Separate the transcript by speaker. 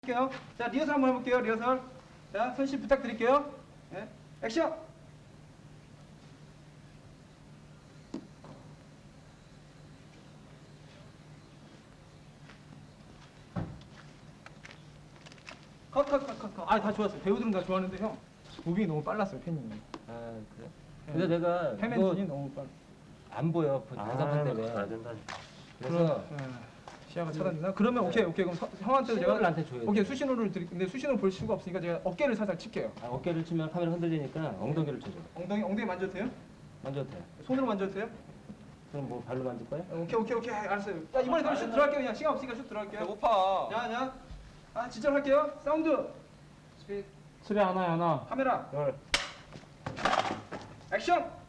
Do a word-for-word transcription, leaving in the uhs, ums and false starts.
Speaker 1: 할게요. 자, 리허설 한번 해볼게요. 리허설. 자, 손실 부탁드릴게요. 네. 액션. 컷, 컷, 컷, 컷, 컷. 아, 다 좋았어요. 배우들은 다 좋아하는데 형, 무빙이 너무 빨랐어요, 팬님이.
Speaker 2: 아 그래?
Speaker 1: 네.
Speaker 2: 근데 내가
Speaker 1: 패맨진이 너무 빨.
Speaker 2: 안 보여 대사판 때문에.
Speaker 3: 가야 된다.
Speaker 2: 그래서
Speaker 1: 네. 시야가 차단되나? 그러면 오케이, 오케이. 그럼 서, 형한테 제가
Speaker 2: 신호를 나한테 줘야 돼.
Speaker 1: 오케이 수신호를 드릴. 근데 수신호 볼 수가 없으니까 제가 어깨를 살살 칠게요.
Speaker 2: 아, 어깨를 치면 카메라 흔들리니까 엉덩이를 쳐줘.
Speaker 1: 엉덩이, 엉덩이 만져도 돼요?
Speaker 2: 만져도 돼.
Speaker 1: 손으로 만져도 돼요?
Speaker 2: 그럼 뭐 발로 만질 거야?
Speaker 1: 어, 오케이, 오케이, 오케이. 알았어요. 야, 이번에 그럼 슛 들어갈게요. 그냥 시간 없으니까 슛 들어갈게요.
Speaker 3: 배고파.
Speaker 1: 자, 자. 아, 진짜로 할게요. 사운드. 스피드.
Speaker 4: 수비 하나 하나
Speaker 1: 카메라.
Speaker 4: 열
Speaker 1: 액션.